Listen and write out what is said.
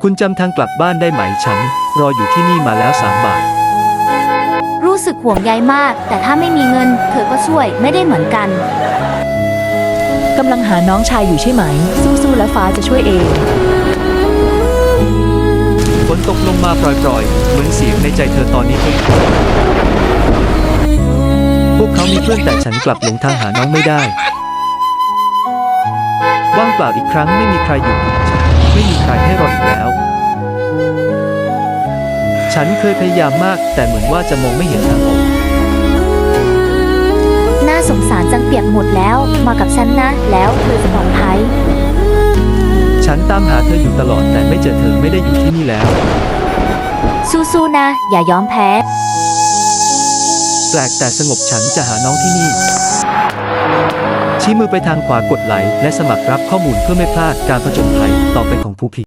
คุณจำทางกลับบ้านได้ไหมฉันรออยู่ที่นี่มาแล้ว3 บาทรู้สึกห่วงใยมากแต่ถ้าไม่มีเงินเธอก็ช่วยไม่ได้เหมือนกันกำลังหาน้องชายอยู่ใช่ไหมสู้ๆแล้วฟ้าจะช่วยเองฝนตกลงมาปล่อยๆเหมือนเสียงในใจเธอตอนนี้เองพวกเขามีเพื่อนแต่ฉันกลับหลงทางหาน้องไม่ได้ว่างเปล่าอีกครั้งไม่มีใครอยู่กับฉันไม่มีใครให้รออีกแล้วฉันเคยพยายามมากแต่เหมือนว่าจะมองไม่เห็นทางออกน่าสงสารจังเปียกหมดแล้วมากับฉันนะแล้วเธอจะปลอดภัยฉันตามหาเธออยู่ตลอดแต่ไม่เจอเธอไม่ได้อยู่ที่นี่แล้วสู้ๆนะอย่ายอมแพ้แปลกแต่สงบฉันจะหาน้องที่นี่ชี้มือไปทางขวากดไลค์และสมัครรับข้อมูลเพื่อไม่พลาดการผจญภัยต่อไปของภูพิ